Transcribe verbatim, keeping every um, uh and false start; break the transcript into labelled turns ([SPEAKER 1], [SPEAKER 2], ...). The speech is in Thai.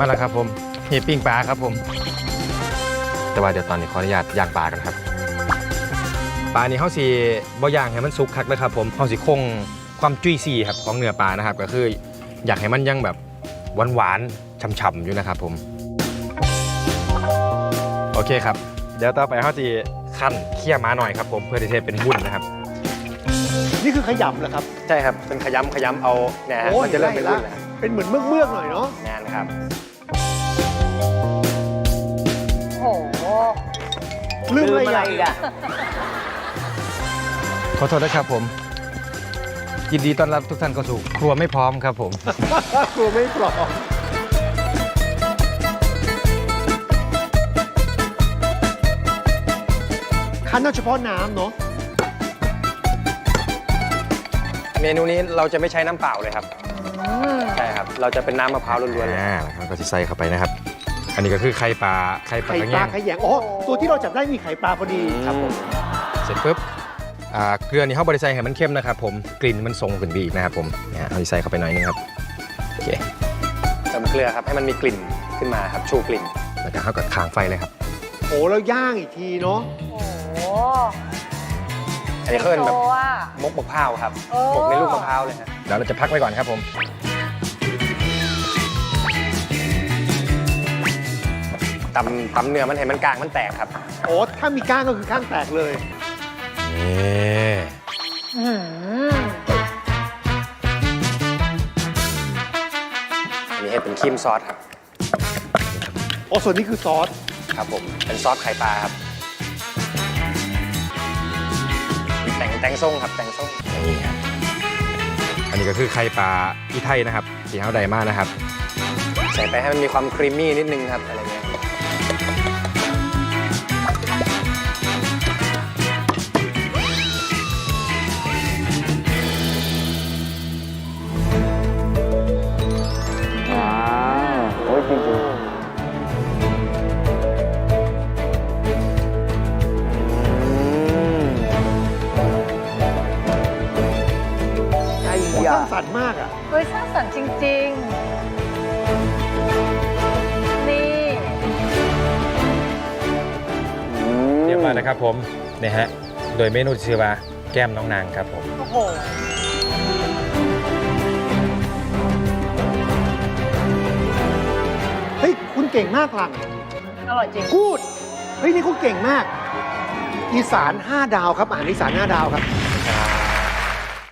[SPEAKER 1] มาแล้วครับผมเห็ดปิ้งปลาครับผมแต่ว่าเดี๋ยวตอนนี้ขออนุญาตย่างปลากันครับปลานี่เขาสีบ่ย่างให้มันสุกคักนะครับผมเขาสีคงความจุยซี่ครับของเนื้อปลานะครับก็คืออยากให้มันยังแบบหวานๆฉ่ำๆอยู่นะครับผมโอเคครับเดี๋ยวต่อไปเขาจะขั้นเคี่ยวม้าหน่อยครับผมเพื่อที่จะเป็นวุ้นนะครับ
[SPEAKER 2] นี่คือขยำเหรอครับ
[SPEAKER 1] ใช่ครับเป็นขยำขยำเอาเนี่ยมันจะเริ่มเป็นวุ้นแล้ว
[SPEAKER 2] เป็นเหมือนเมือกเมือกหน่อยเนาะ
[SPEAKER 1] แน่นครับ
[SPEAKER 3] โอ้โห
[SPEAKER 2] ลืมอะไรอีกอะ
[SPEAKER 1] ขอโทษนะครับผมยินดีต้อนรับทุกท่านเข้าสู่ครัวไม่พร้อมครับผม
[SPEAKER 2] ครัวไม่พร้อมคั้นเอาเฉพาะน้ำเนาะ
[SPEAKER 1] เมนูนี้เราจะไม่ใช้น้ำเปล่าเลยครับใช่ครับเราจะเป็นน้ำมะพร้าวล้วนๆอ่าแล้วก็จะใส่เข้าไปนะครับอันนี้ก็คือไข่ปลาไข่ปลา
[SPEAKER 2] ไข่ปลาไข่แยงอ๋อตัวที่เราจับได้มีไข่ปลาพอดี
[SPEAKER 1] ครับผมเสร็จปุ๊บเกลือนี่เขาบริใส่ให้มันเข้มนะครับผมกลิ่นมันทรงขึ้นดีอีกนะครับผมเนี่ยเอาใส่เข้าไปหน่อยนึงครับโอเคเติมเกลือครับให้มันมีกลิ่นขึ้นมาครับชูกลิ่นแล้วก็เข้ากับค้างไฟเลยครับ
[SPEAKER 2] โอ้แล้วย่างอีกทีเนาะ
[SPEAKER 3] โอ้
[SPEAKER 1] อันนี้เขาเป็นแบบมกมะพร้าวครับมกในลูกมะพร้าวเลยครับเดี๋ยวเราจะพักไว้ก่อนครับผมตำตำเนื้อมันให้มันกลางมันแตกครับ
[SPEAKER 2] โอ้ถ้ามีก้างก็คือข้างแตกเลย
[SPEAKER 1] นี่อันนี้ให้เป็นครีมซอสครับ
[SPEAKER 2] โอ้ส่วนนี้คือซอส
[SPEAKER 1] ครับผมเป็นซอสไข่ปลาครับแต่งแตงส้มครับแตงส้มนี่ครับอันนี้ก็คือไข่ปลาอีไทยนะครับสีขาวไดมากนะครับใส่ไปให้มันมีความครีมมี่นิดนึงครับอะไรเงี้ยจริงๆ
[SPEAKER 2] ไอ้ยาสร้างสรรค์มากอ่ะ
[SPEAKER 3] เฮ้ยสร้างสรรค์จริงๆนี่
[SPEAKER 1] เรียบร้อยนะครับผมเนี่ยฮะโดยเมนูชื่อว่าแก้มน้องนางครับผม
[SPEAKER 3] โอ้โห
[SPEAKER 2] เฮ้ยคุณเก่งมากหลัง
[SPEAKER 3] อร่อยจริง
[SPEAKER 2] พูดเฮ้ยนี่คุณเก่งมากอีสานห้าดาวครับอาหารอีสานห้าดาวครับ